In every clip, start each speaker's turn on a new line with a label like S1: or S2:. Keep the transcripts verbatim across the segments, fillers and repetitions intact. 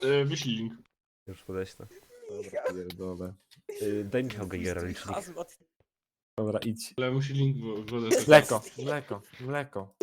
S1: E, wyślij link.
S2: Już podeślę.
S3: Dobra, pierdolę.
S2: Yy, daj Michał Geigera licznik.
S4: Hazmat.
S3: Dobra, idź.
S1: Ale musi link w wodę też.
S3: Mleko, mleko, mleko.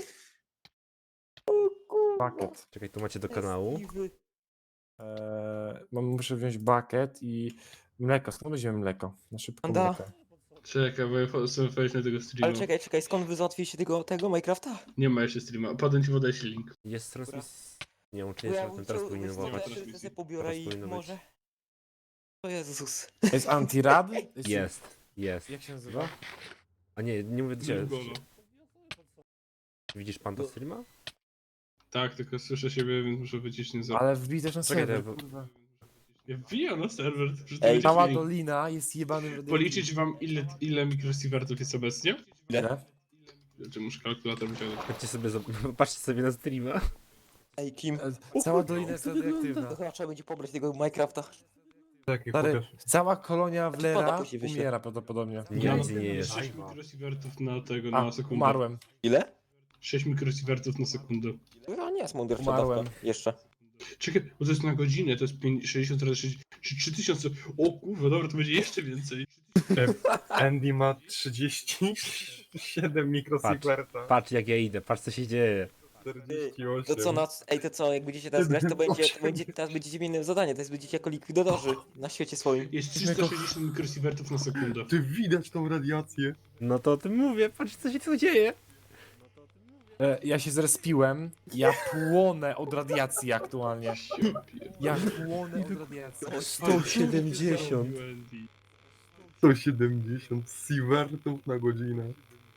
S3: Bucket.
S2: Czekaj, tu macie do kanału.
S3: Eee, mam, muszę wziąć bucket i mleko. Skąd weźmiemy mleko? Na szybko
S4: Anda.
S3: mleko.
S1: Czekaj, bo ja chcę wejść na tego streama.
S4: Ale czekaj, czekaj, skąd wy załatwiliście tego, tego Minecrafta?
S1: Nie ma jeszcze streama. Potem ci podeślę link.
S2: Jest transmis... Nie wiem, czy
S4: Bo
S2: jest,
S4: ja
S2: ale ten teraz
S4: chciał-
S2: powinien
S4: wiesz co,
S2: łapać.
S4: ja się sobie pobiorę
S2: Teraz
S4: i
S2: powinno być.
S4: może... O Jezus.
S3: Jest antirad?
S2: Jest, jest.
S3: Jak się nazywa?
S2: A nie, nie mówię do ciebie.
S1: Golo.
S2: Widzisz pan to streama?
S1: Tak, tylko słyszę siebie, więc muszę wycisnąć za...
S3: Ale wbij też na
S2: Czekaj,
S3: serwer,
S2: to-
S3: kurwa.
S1: Ja wbijam na serwer, że to
S4: Ej,
S1: będzie
S3: Cała
S1: link.
S3: dolina jest jebanym...
S1: Policzyć wam ile, ile mikrosievertów jest obecnie?
S3: Ile?
S1: Czy muszę kalkulator wyciągnąć?
S2: Patrzcie sobie, zob- patrzcie sobie na streama.
S4: Ej, Kim?
S3: E, Cała dolina jest radioaktywna.
S4: To chyba trzeba będzie pobrać tego Minecrafta.
S5: Taki
S3: Stary, cała kolonia
S4: Woda
S3: Wlera
S4: później wyślę.
S3: umiera prawdopodobnie.
S2: Nie,
S1: Ja
S2: nic
S1: mam
S2: nie jest.
S1: sześć mikrosievertów na tego,
S3: A,
S1: na sekundę.
S3: umarłem.
S4: Ile?
S1: sześć mikrosievertów na sekundę.
S4: No nie jest mądry
S3: Umarłem.
S4: Jeszcze.
S1: Czekaj, bo to jest na godzinę, to jest pięć- sześćdziesiąt razy sześć, czy trzy tysiące. O kurwa, dobra, to będzie jeszcze więcej.
S5: Andy ma trzydzieści siedem mikrosieverta.
S2: Patrz jak ja idę, patrz co się dzieje.
S5: czterdzieści osiem.
S4: To co, na, ej, to co, jak będziecie teraz grać, to będzie, to będzie, teraz będziecie mieli inne zadanie, teraz będziecie jako likwidatorzy na świecie swoim.
S1: Jest trzysta sześćdziesiąt mikrosievertów na sekundę.
S5: Ty widać tą radiację.
S2: No to o tym mówię, patrz co się tu dzieje.
S3: E, ja się zrespiłem, ja płonę od radiacji aktualnie. Ja płonę od radiacji.
S2: sto siedemdziesiąt.
S5: sto siedemdziesiąt sievertów na godzinę.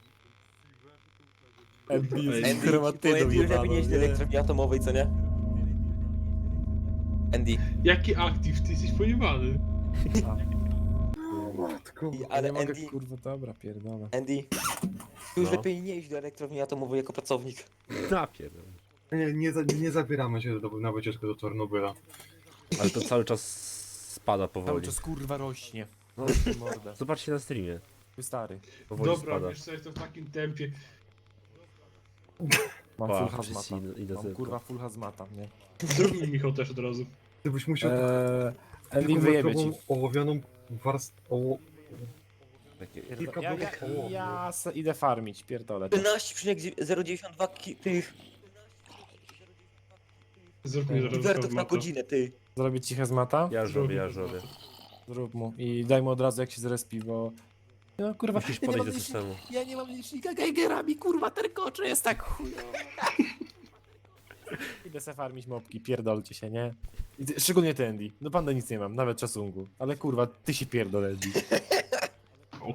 S3: Andy jest
S4: Andy,
S3: chromatydą
S4: Andy już lepiej
S3: jebaną,
S4: nie jeździ do
S3: nie?
S4: elektrowni atomowej, co nie? Andy,
S1: Jaki aktyw, ty jesteś pojebany.
S5: Matko.
S3: Ja
S4: ale
S3: nie mogę,
S4: Andy,
S3: kurwa, dobra, pierdolę.
S4: Andy, już
S2: No.
S4: lepiej nie iść do elektrowni atomowej jako pracownik.
S2: Napierdol.
S5: Nie, nie, za- nie zabieramy się do, na wycieczkę do Czarnobyla.
S2: Ale to cały czas spada
S3: Cały
S2: powoli.
S3: czas kurwa rośnie.
S2: No,
S3: Mordę.
S2: zobaczcie na streamie.
S3: Ty stary.
S2: Powoli
S1: Dobra,
S2: spada.
S1: wiesz co, jest to w takim tempie.
S3: Mam
S2: Pa,
S3: full
S2: wszyscy
S3: hazmata.
S2: idą- idą
S3: Mam
S2: tylko.
S3: kurwa full hazmata, nie?
S1: Zrób mi Michał też od razu.
S5: Ty byś musiał
S3: Eee, Andy
S5: taką
S3: wyjebie ci.
S5: metrową ołowianą warstwę. Oło...
S2: Takie...
S5: Kilka
S3: Ja, ja,
S5: bloków ołowiu.
S3: ja se idę farmić, pierdolę.
S4: trzynaście przecinek zero dziewięćdziesiąt dwa ki- tych
S1: Zrób mi zaraz
S4: inwertów na
S1: formata.
S4: godzinę, ty.
S3: Zrobić ci hazmata?
S2: Ja robię, ja robię.
S3: Zrób mu. I daj mu od razu jak się zrespi, bo... No kurwa,
S2: Musisz
S3: ja nie
S2: podejść
S3: mam
S2: do
S3: licznika-
S2: systemu.
S3: Ja nie mam licznika Geigera, mi kurwa terkocze jest tak chujowo. Idę se farmić mopki, pierdolcie się, nie? I ty, szczególnie ty, Andy. No panda nic nie mam, nawet czasungu. Ale kurwa, ty się pierdol, Andy.
S1: O,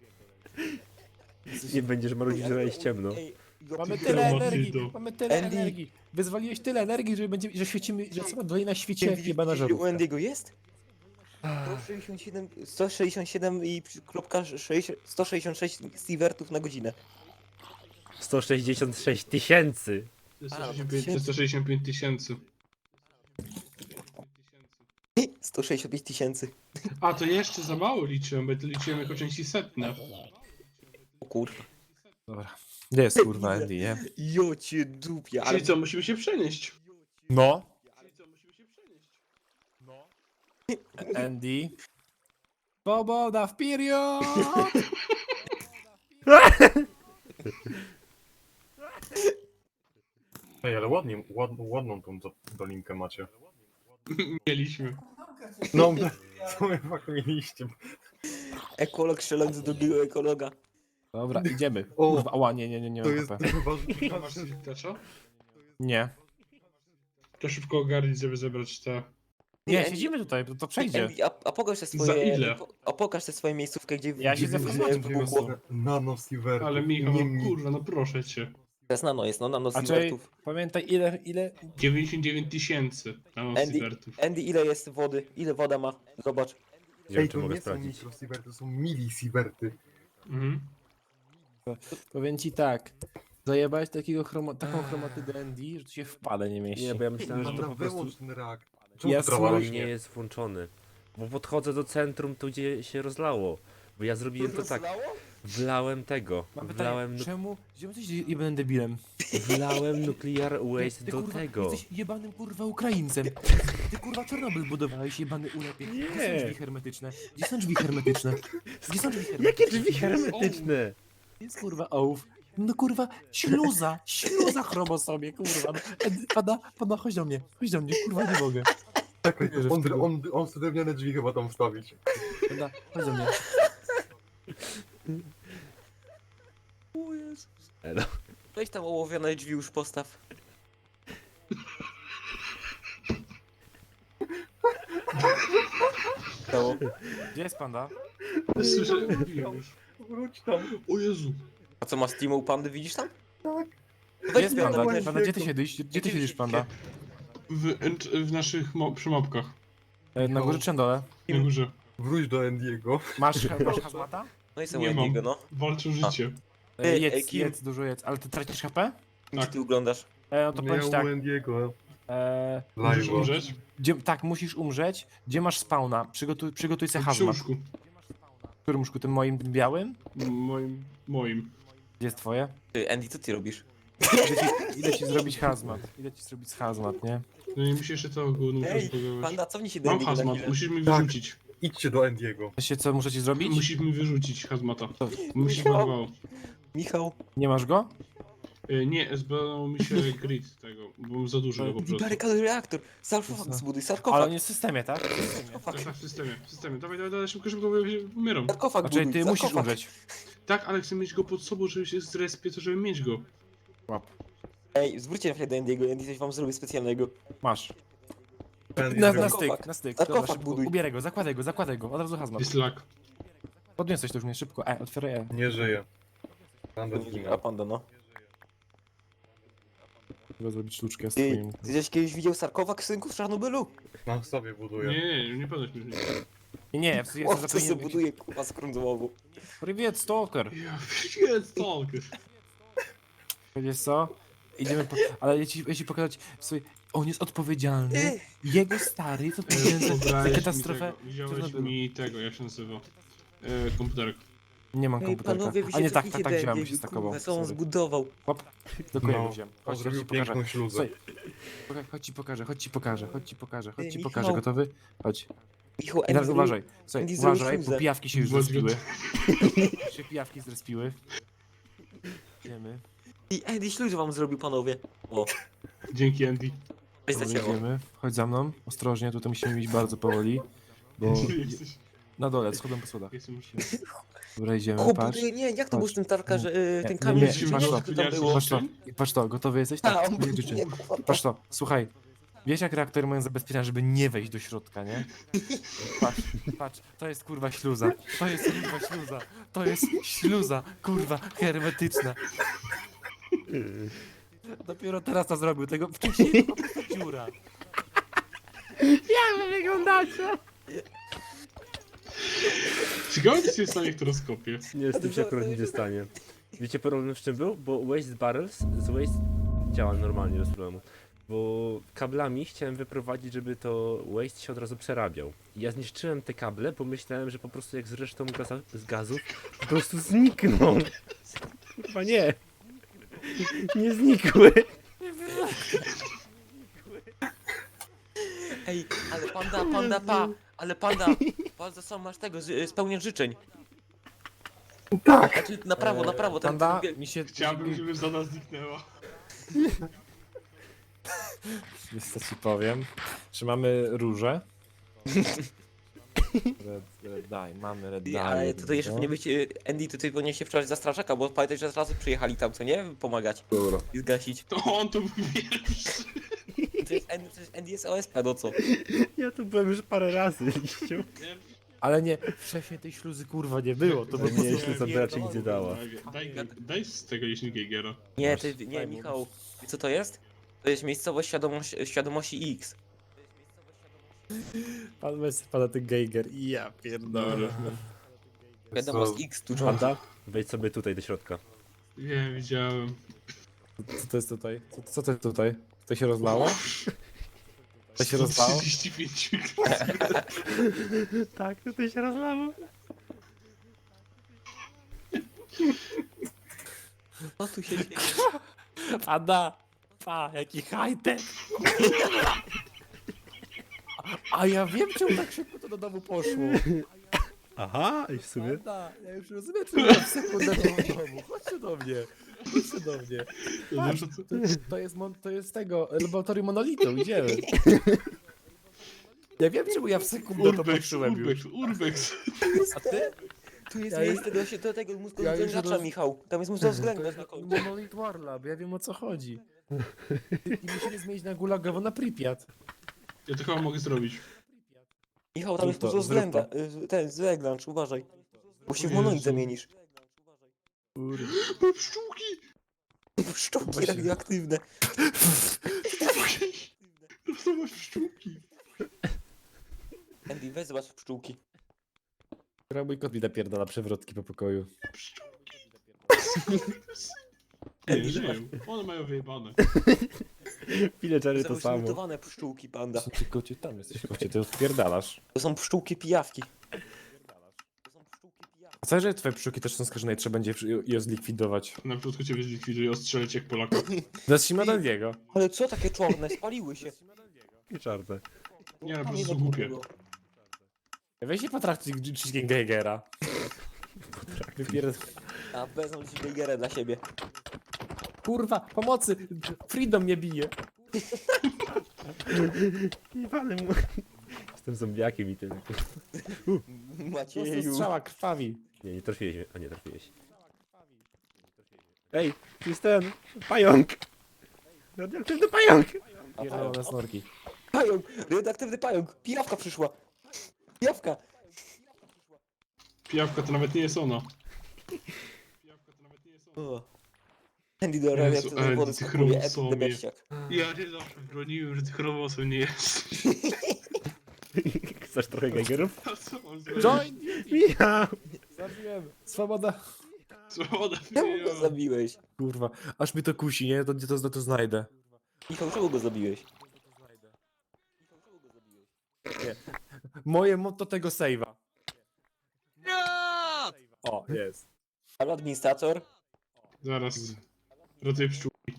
S2: Nie będziesz marudzić, że jest ciemno.
S4: Ej, jo-
S3: Mamy
S4: ty-
S3: tyle
S1: Chromatydo.
S3: energii, mamy tyle
S4: Andy.
S3: energii. Wyzwaliłeś tyle energii, że będzie, że świecimy, że cała dolina świeci jak
S4: Widzisz,
S3: jebana
S4: gdzieś u
S3: żarówka.
S4: Andy'ego jest? sto sześćdziesiąt siedem, sto sześćdziesiąt siedem i przy- kropka sześć- sto sześćdziesiąt sześć sievertów na godzinę.
S2: sto sześćdziesiąt sześć tysięcy.
S1: to jest
S4: A,
S1: sto sześćdziesiąt pięć- to jest sto sześćdziesiąt pięć tysięcy.
S4: sto sześćdziesiąt pięć tysięcy.
S1: A, to jeszcze za mało liczyłem, bo to liczyłem jako części setne.
S4: O kurwa.
S3: Dobra. Gdzie jest kurwa Andy, nie?
S4: Jo cię dupia, ale...
S1: Czyli co, musimy się przenieść.
S3: No.
S1: Czyli co, musimy się przenieść.
S3: Andy. Swoboda w period!
S5: Ej, ale ładnie, ład, ładną tą do- dolinkę macie.
S1: Mieliśmy.
S5: No, co wy fakt mieliście?
S4: Ekolog strzelając do drugiego ekologa.
S3: Dobra, idziemy.
S5: O,
S3: Kurwa, ała, nie, nie, nie, nie
S5: To
S3: mam
S5: jest
S3: H P.
S5: chyba...
S1: A masz tacza?
S3: Nie.
S1: To szybko ogarnij, żeby zebrać te...
S3: Nie,
S4: Andy-
S3: siedzimy tutaj, to, to przejdzie.
S4: Andy, a, a pokaż te
S1: Za
S4: swoje...
S1: ile?
S4: po- A pokaż te swoje miejscówkę, gdzie...
S3: Ja
S4: gdzie
S3: siedzę w
S4: gdzie
S3: formacie,
S4: wybuchło.
S5: Nano sievertów.
S1: Ale Michał,
S5: nie,
S1: no
S5: nie.
S1: kurwa, no proszę cię.
S4: Teraz nano jest, no nano
S3: A czyli
S4: sievertów.
S3: pamiętaj ile, ile...
S1: dziewięćdziesiąt dziewięć tysięcy nanosievertów.
S4: Andy, ile jest wody? Ile woda ma? Zobacz.
S2: Nie wiem,
S5: Ej,
S2: czy
S5: to
S2: mogę
S5: nie są
S2: sprawdzić.
S5: mikrosieverty, to są milisieverty.
S1: Mhm.
S3: Powiem ci tak. Zajebałeś takiego chroma, taką chromatydę Andy, że tu się w pale nie mieści.
S2: Nie, bo ja myślałem, że to
S5: Dobra,
S2: po prostu
S5: wyłącz ten rak. Czemu
S3: Ja
S5: ja trawa
S3: słucham-
S2: on
S5: rośnie?
S2: nie jest włączony. Bo podchodzę do centrum, tu gdzie się rozlało. Bo ja zrobiłem to tak. Wlałem tego.
S3: Mam
S2: Wlałem,
S3: pytanie,
S2: nu-
S3: czemu? Czemu jesteś jebanym debilem?
S2: wlałem nuclear waste
S3: Ty,
S2: do
S3: kurwa,
S2: tego.
S3: Jesteś jebanym kurwa Ukraińcem. Ty kurwa Czarnobyl budowałeś, jebany ulepie. Gdzie są
S2: Nie.
S3: drzwi hermetyczne? Gdzie są drzwi hermetyczne? Gdzie są drzwi hermetyczne?
S2: Jakie drzwi hermetyczne?
S3: Jest kurwa ołów. No kurwa, śluza, śluza chromo sobie, kurwa. No, Edy, pada, pada, chodź do mnie, chodź do mnie, kurwa, nie mogę.
S5: Czekaj,
S3: wierzę w
S5: on,
S3: tego.
S5: on, on chce drewniane drzwi chyba tam wstawić.
S3: Pada, chodź do mnie.
S4: O Jezus.
S2: Elo.
S4: Weź tam ołowione drzwi już postaw. Stało.
S3: Gdzie jest panda?
S1: Słyszę, mówiłem już.
S5: Wróć tam.
S1: O Jezu.
S4: A co masz Team Pandy, widzisz tam?
S5: Tak.
S3: Gdzie jest
S4: zbierz
S3: panda?
S4: tam też.
S3: Panda, gdzie ty siedzisz? Gdzie ty siedzisz, panda?
S1: W, enc- w naszych mo- przymapkach.
S3: E, Na górze czy na dole?
S1: Na górze.
S5: Wróć do Endiego.
S3: Masz, masz hazmata?
S4: No i są
S1: Nie mam.
S4: Endiego, no.
S1: Walczą życie.
S3: E,
S4: Ej, ej,
S3: jedz,
S4: Kim?
S3: jedz, dużo jedz. Ale ty tracisz H P?
S4: Gdzie
S1: Tak.
S4: ty oglądasz?
S3: E, no to powiem ci
S5: Miał
S3: tak.
S5: u Endiego.
S3: E,
S1: Możesz
S5: Live'a.
S1: umrzeć?
S3: gdzie, tak, musisz umrzeć. Gdzie masz spawna? Przygotuj, przygotuj sobie
S1: W
S3: hazmat.
S1: książku.
S3: W którym łóżku? Tym moim tym białym?
S1: Moim. Moim.
S3: Gdzie jest twoje?
S4: Ty, Andy, co ty robisz?
S3: Idę ci, idę ci zrobić hazmat. Idę ci zrobić hazmat, nie?
S1: No i musisz jeszcze to gówno
S4: Ej,
S1: rozbudować.
S4: Panda, cofnij się do
S1: Mam
S4: Endiego na
S1: hazmat,
S4: chwilę.
S1: musisz mi
S5: Tak.
S1: wyrzucić.
S5: Idźcie do Endiego.
S3: Wiecie co muszę ci zrobić?
S1: Musisz mi wyrzucić hazmata. Musisz
S4: Michał.
S1: zbagowało.
S4: Michał,
S3: Nie masz go?
S1: E, Nie, zbadało mi się grid tego, bo mam za dużo go po prostu.
S4: barykaduj reaktor. Sarkofag
S3: Jasne.
S4: zbuduj,
S3: Ale
S4: sarkofag.
S3: on jest w systemie, tak? W systemie.
S4: Sarkofag,
S1: Tak, tak, w systemie, w systemie. Dawaj, dawaj, dawaj, szybko, szybko, bo ja się umieram.
S4: sarkofag
S3: Znaczy
S4: buduj,
S3: ty musisz
S4: sarkofag.
S3: umrzeć.
S1: Tak, ale chcę mieć go pod sobą, żeby się zrespię, to żeby mieć go.
S3: Łap.
S4: Ej, zwróćcie na chwilę do Andiego, Andy coś wam zrobi specjalnego.
S3: Masz.
S5: Endi
S3: Na,
S5: zrobi-
S3: na
S4: Sarkofag.
S3: styk, na styk.
S4: Sarkofag
S3: Dobra, szybko.
S4: buduj.
S3: Ubieraj go, zakładaj go, zakładaj go. Od razu hazmat.
S1: Jest lak.
S3: Podniosłeś to już mnie szybko. E, otwieraj E.
S5: Nie żyje. Panda
S4: A
S5: zginął.
S4: Panda, no.
S3: Trzeba zrobić sztuczkę z
S4: Ty,
S3: twoim.
S4: ty żeś kiedyś widział sarkofag synków z Czarnobylu?
S5: Na sobie buduje.
S1: Nie, nie, nie, nie podać mi.
S3: Nie, nie, ja jestem
S4: O, co se
S3: zapewniony.
S4: buduje, kurwa, z krążołogu.
S3: Привет, stalker.
S1: Ja jest stalker.
S3: Wiesz co? Idziemy po... Ale ja ci, ja ci pokazać swój... On jest odpowiedzialny.
S4: Ty,
S3: Jego stary jest odpowiedzialny za, za
S1: Pobrałeś mi
S3: katastrofę.
S1: tego, Wziąłeś
S3: Czarnobylu.
S1: mi tego, jak się nazywa? E, komputerek.
S3: Nie mam
S4: ej,
S3: komputerka.
S4: panowie, wy
S3: A
S4: się
S3: nie, tak, tak,
S4: cofnijcie
S3: tak,
S4: do
S3: wziąłem, bo się
S4: Andiego,
S3: stakował.
S4: kurwa, co on
S3: Sorry.
S4: zbudował.
S3: Hop, do kolejnego
S5: No,
S3: wziąłem.
S5: on
S3: Chodź, chodź
S5: zrobił
S3: ci pokażę.
S5: piękną śluzę.
S3: Słuchaj, poka- chodź ci pokażę, chodź ci pokażę, chodź ci pokażę, chodź
S4: Ej,
S3: ci
S4: Michał.
S3: pokażę, gotowy? Chodź.
S4: Michał,
S3: I teraz
S4: Andy
S3: uważaj, słuchaj,
S4: Andy zrobił
S3: uważaj, bo
S4: śluzę.
S3: pijawki się już
S1: Bądź
S3: zrespiły. się pijawki zrespiły. Idziemy,
S4: I Andy śluzę wam zrobił, panowie. O,
S1: Dzięki, Andy.
S4: weź
S3: dobra,
S4: zacięło.
S3: idziemy. Chodź za mną, ostrożnie, tutaj musimy iść bardzo powoli. Bo
S1: Jesteś.
S3: na dole, schodzą po schodach.
S1: Jestem
S3: Dobra, idziemy,
S4: O,
S3: patrz.
S4: buduje, nie, jak to
S3: Chodź.
S4: był z tym tarka, że y,
S3: Nie,
S4: ten
S3: nie,
S4: kamień,
S3: nie,
S4: że
S3: patrz
S4: nie,
S3: to,
S4: jak to tam było?
S3: Patrz to, patrz to, gotowy jesteś?
S4: A,
S3: Tak,
S4: on
S3: nie,
S4: buduje,
S3: nie,
S4: kurwa.
S3: Patrz to, słuchaj. Wiesz jak reaktory mają zabezpieczenia, żeby nie wejść do środka, nie? Patrz, patrz, to jest kurwa śluza. To jest kurwa śluza. To jest śluza, kurwa, hermetyczna. Dopiero teraz to zrobił, tego wcześniej to po prostu dziura. Jak wy wyglądacie?
S1: Ciekawe, co się stanie, kto rozkopie.
S2: Nie, z tym się akurat nic nie stanie. Wiecie problem w czym był? Bo waste barrels z waste działa normalnie, bez problemu. Bo kablami chciałem wyprowadzić, żeby to waste się od razu przerabiał. I ja zniszczyłem te kable, bo myślałem, że po prostu jak z resztą gaza, z gazów po prostu znikną. Chyba nie. Nie znikły.
S4: Ej, ale panda, panda, pa, ale panda, bardzo sam masz tego, z- spełnień życzeń.
S5: Tak!
S4: Znaczy, na prawo, na prawo, ten,
S3: Panda,
S4: ten,
S3: mi się...
S1: Chciałbym, żeby Zona zniknęła.
S3: Wiesz co ci powiem? Czy mamy róże? Red, red dye, mamy red dye.
S4: ale tutaj jeszcze
S3: no.
S4: powinien być, y, Andy, tutaj powinien się wczoraj za strażaka, bo pamiętaj, że razy przyjechali tam, co nie? Pomagać
S5: Dobra.
S4: i zgasić.
S1: To on to był pierwszy.
S4: To jest Andy, przecież Andy jest O S P, no co?
S2: Ja tu byłem już parę razy, liściu.
S3: Ale nie, wcześniej tej śluzy kurwa nie było, to by
S2: Nie, jeśli sobie raczej nic nie dała.
S1: Daj, daj z tego jeśli Geigera.
S4: Nie,
S3: Masz,
S4: ty, nie,
S3: daj mu.
S4: Michał, wiesz co to jest? To jest miejscowość świadomość, świadomości X.
S3: Pan Messi pada ten Geiger i ja pierdolę.
S4: Wiadomość
S5: Co?
S4: X tu
S2: Panda, wejdź sobie tutaj do środka.
S1: Nie, widziałem.
S3: Co to jest tutaj? Co, co to jest tutaj? To się rozlało? To się rozlało?
S1: trzydzieści pięć.
S2: Tak, tutaj się rozlało.
S4: Co tu się dzieje?
S3: Pada! Pa, jaki high-tech! A ja wiem, czemu tak szybko to do domu poszło.
S2: Aha, i w sumie.
S3: Pada, ja już rozumiem, czemu ja w sekundę do domu. Chodźcie do mnie. Chodźcie do mnie.
S1: To
S3: Patrz,
S1: znaczy, co-
S3: to, to, jest, mon, to jest tego, laboratorium monolitu, idziemy. Ja wiem, czemu ja w sekundę to
S1: Urbex,
S3: patrzyłem
S1: Urbex,
S3: już.
S1: Urbex.
S3: A ty?
S4: Tu jest
S3: Ja
S4: miejsce do, się- do tego mózgu
S3: ja już
S4: względacza,
S3: roz-
S4: Michał. Tam jest mózg względacz na końcu.
S3: Monolit Warlab, ja wiem o co chodzi. I, i musimy zmienić na Gulagowo na Pripyat.
S1: Ja to chyba mogę zrobić.
S4: Michał, tam jest
S3: Zrób to,
S4: mózg
S3: zrób
S4: względa. y, Ten, zeglącz, uważaj. Bo się w
S1: Jezu.
S4: monolit zamienisz.
S1: Mam pszczółki!
S4: Szczuki
S3: Właśnie.
S4: radioaktywne.
S1: Dostałaś pszczółki.
S4: Andy, weź zobacz pszczółki.
S3: Która mój kot mi napierdala przewrotki po pokoju.
S1: Pszczółki. Nie, nie wiem. One mają wyjebane.
S2: Villagery to
S4: Są
S2: samo.
S4: zmutowane pszczółki, panda.
S3: Ty kocie, tam jesteś kocie, ty odpierdalasz.
S4: To są pszczółki pijawki. To są pszczółki pijawki.
S3: Co, że twoje pszczółki też są skażone i trzeba będzie je zlikwidować?
S1: Na początku ciebie zlikwiduję, ostrzelę cię jak Polaka.
S3: Zacznijmy od Andiego.
S4: Ale co takie czarne? Spaliły się.
S2: I czarne.
S1: Nie, po
S4: Tam
S1: prostu
S4: jedno
S1: są głupie.
S4: było.
S3: Weź nie potraktuj Chicken Geigera. Wypierd...
S4: A wezmą ci Geigera dla siebie.
S3: Kurwa, pomocy! Freedom mnie bije.
S2: Nie walę mu. Jestem zombiakiem i tyle.
S3: Po prostu
S4: Macieju.
S3: strzała krwawi.
S2: Nie, nie trafiłeś mnie. A nie trafiłeś. Ej, tu jest ten. Pająk! Radioaktywny pająk!
S3: Pierdolone snorki.
S4: Pająk! Radioaktywny pająk! Pijawka przyszła! Pijawka!
S1: Pijawka to nawet nie jest ona. Pijawka to nawet nie jest ona.
S4: O. Andy do
S1: Jezu,
S4: radioaktywnej
S1: ale
S4: wody
S1: ty
S4: skakuje, epny
S1: chromosomie.
S4: beściak.
S1: Ja nie zawsze broniłem, że tych chromosom nie jest.
S2: Chcesz trochę Geigerów?
S1: A co mam zrobić?
S3: Join!
S2: Michał!
S3: Zabiłem. Swoboda.
S1: Swoboda
S4: Czemu go
S1: wyjęła.
S4: zabiłeś?
S3: Kurwa, aż mi to kusi, nie? To gdzie to, to znajdę.
S4: Michał, czemu go zabiłeś? Michał, czemu go zabiłeś?
S3: Moje motto tego save'a. O, jest.
S4: Ale administrator?
S1: Zaraz. Ratuję pszczółki.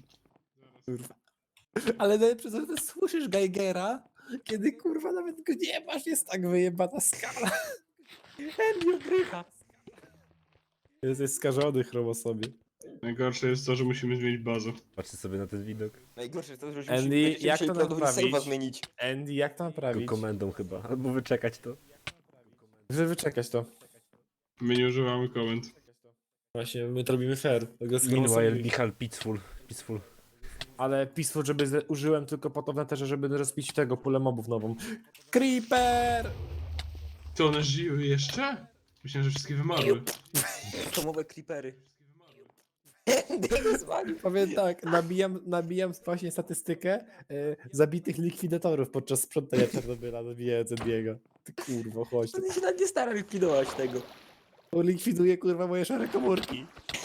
S3: Ale najlepsze, że ty słyszysz Geigera, kiedy kurwa nawet go nie masz, jest tak wyjebana skala.
S4: Andy ogrycha.
S3: Jest, jest skażony chromosomie.
S1: Najgorsze jest to, że musimy zmienić bazę.
S2: Patrzcie sobie na ten widok.
S4: Najgorsze jest to, że
S3: Andy,
S4: musimy będziemy
S3: jak
S4: musieli
S3: to
S4: prawdopodobnie
S3: naprawić?
S4: save'a zmienić.
S3: Andy, jak to
S2: Tylko
S3: naprawić?
S2: komendą chyba. Albo wyczekać to.
S3: Żeby wyczekać to.
S1: My nie używamy komend.
S3: Właśnie, my to robimy fair. Tego z
S2: Meanwhile,
S3: chromosomami.
S2: Michal Peaceful. Peaceful.
S3: Ale Peaceful, żeby z- użyłem tylko po to w neterze, żeby rozbić tego pulę mobów nową. Creeper!
S1: To one żyły jeszcze? Myślałem, że wszystkie wymarły.
S4: Atomowe creepery. Andy jak zwalił.
S3: Powiem tak, nabijam, nabijam właśnie statystykę e, zabitych likwidatorów podczas sprzątania Czarnobyla, nabijając Ediego. Ty kurwo, chodź.
S4: Andy się nawet nie stara likwidować tego.
S3: To likwiduje kurwa moje szare komórki.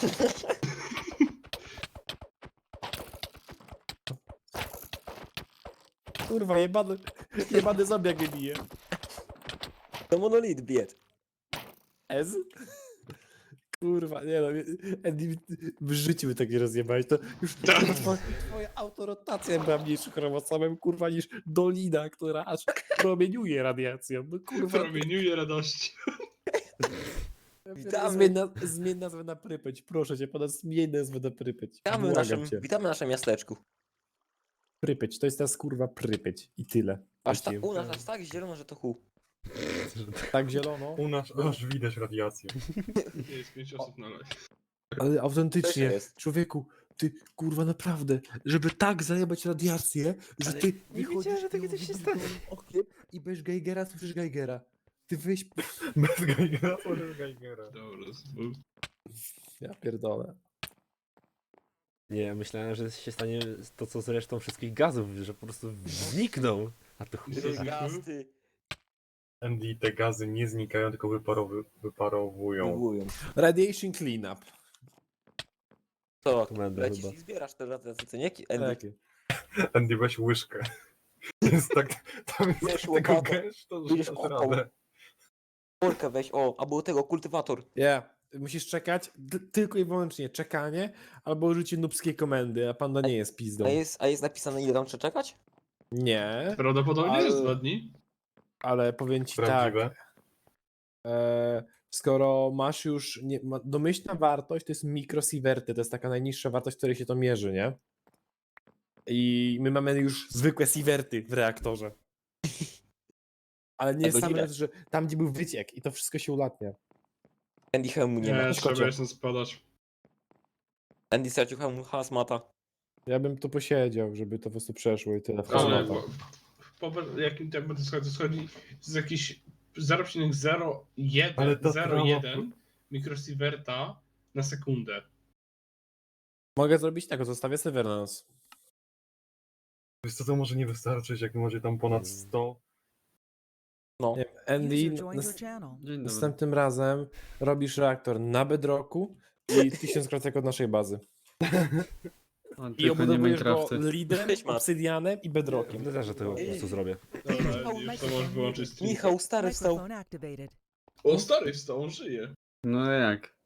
S3: Kurwa, jebany, jebany zombiak mnie bije.
S4: To monolit bied.
S3: Ez? Kurwa, nie no, Andy, w życiu by tak nie rozjebałeś, to już kurwa, twoja, twoja autorotacja była mniejszym chromosomem, kurwa, niż dolina, która aż promieniuje radiacją. No kurwa,
S1: Promieniuje radości.
S4: Witamy.
S3: zmień, na, zmień nazwę na Prypeć, proszę cię, ponad zmień nazwę na Prypeć.
S4: Witamy w
S3: Błagam
S4: naszym,
S3: cię.
S4: witamy w naszym miasteczku.
S3: Prypeć, to jest teraz kurwa Prypeć i tyle.
S4: Aż tak,
S2: Wróciłem.
S4: u nas aż tak zielono, że to hu.
S3: Tak zielono.
S5: U nas aż widać radiację.
S1: Jest pięć osób na live.
S3: Ale
S4: Też
S3: autentycznie,
S4: jest.
S3: człowieku, ty kurwa naprawdę, żeby tak zajebać radiację, że
S4: Ale
S3: ty
S2: nie
S3: wychodzisz
S2: wiedziałem, że takie
S3: tym
S2: coś się
S3: wybudowanym oknem i bez Geigera słyszysz Geigera. Ty wyjść...
S5: Bez Geigera, bez Geigera.
S1: Dobra, z-
S3: Ja pierdolę.
S2: Nie, ja myślałem, że się stanie to, co z resztą wszystkich gazów, że po prostu znikną. A to chuj.
S1: Ty-
S4: Gasty.
S5: Andy, te gazy nie znikają, tylko wyparowy, wyparowują.
S4: Próbują.
S3: Radiation cleanup.
S4: To,
S2: Komenda
S4: lecisz
S2: chyba.
S4: i zbierasz te radiacje, nie? Andy.
S3: Takie.
S5: Andy, weź łyżkę. Jest tak, tam jest
S4: Wiesz,
S5: tego
S4: łopatą.
S5: gęsto, że
S4: Będziesz
S5: dasz
S4: kopał.
S5: radę.
S4: Workę weź, o, albo tego, kultywator.
S3: Yeah. musisz czekać, d- tylko i wyłącznie czekanie, albo użycie nubskiej komendy, a panda nie jest pizdą.
S4: A jest, a jest napisane ile tam trzeba czekać?
S3: Nie,
S1: Prawdopodobnie
S3: Ale-
S1: jest dwa dni.
S3: ale powiem ci
S5: Prawdziwe.
S3: tak, e, skoro masz już, nie, ma, domyślna wartość to jest mikrosieverty, to jest taka najniższa wartość, w której się to mierzy, nie? I my mamy już zwykłe sieverty w reaktorze. Ale nie
S4: A
S3: jest sam
S4: godzinę?
S3: raz, że tam gdzie był wyciek i to wszystko się ulatnia.
S4: Andy hełmu nie ma.
S1: Nie,
S3: szkodzie.
S1: trzeba jeszcze spadać.
S4: Andy stracił hełmu hazmata.
S3: Ja bym tu posiedział, żeby to po prostu przeszło i tyle w
S1: Ale
S3: hazmata.
S1: po, po jakim tempie to schodzi? To schodzi to jest jakieś zero przecinek zero jeden
S5: Ale ta
S1: zero
S5: trawa-
S1: jeden mikrosieverta na sekundę.
S3: Mogę zrobić tak, zostawię serwer na nas.
S5: Wiesz co, to może nie wystarczyć, jak macie tam ponad sto.
S4: No.
S3: Nie wiem, Andy,
S6: User joined
S3: nas,
S6: your channel.
S7: Dzień dobry.
S3: następnym razem robisz reaktor na bedrocku i tysiąc kratek od naszej bazy.
S7: O,
S3: I
S7: tylko nie
S3: obudowujesz go
S7: Minecrafty.
S3: leadem,
S4: Cześć, Mat.
S3: obsydianem i bedrockiem.
S2: No też, że to po prostu zrobię.
S1: Dobra, już to możesz wyłączyć stream.
S4: Michał stary wstał.
S6: Microphone activated.
S1: O, stary wstał, on żyje.
S7: No jak?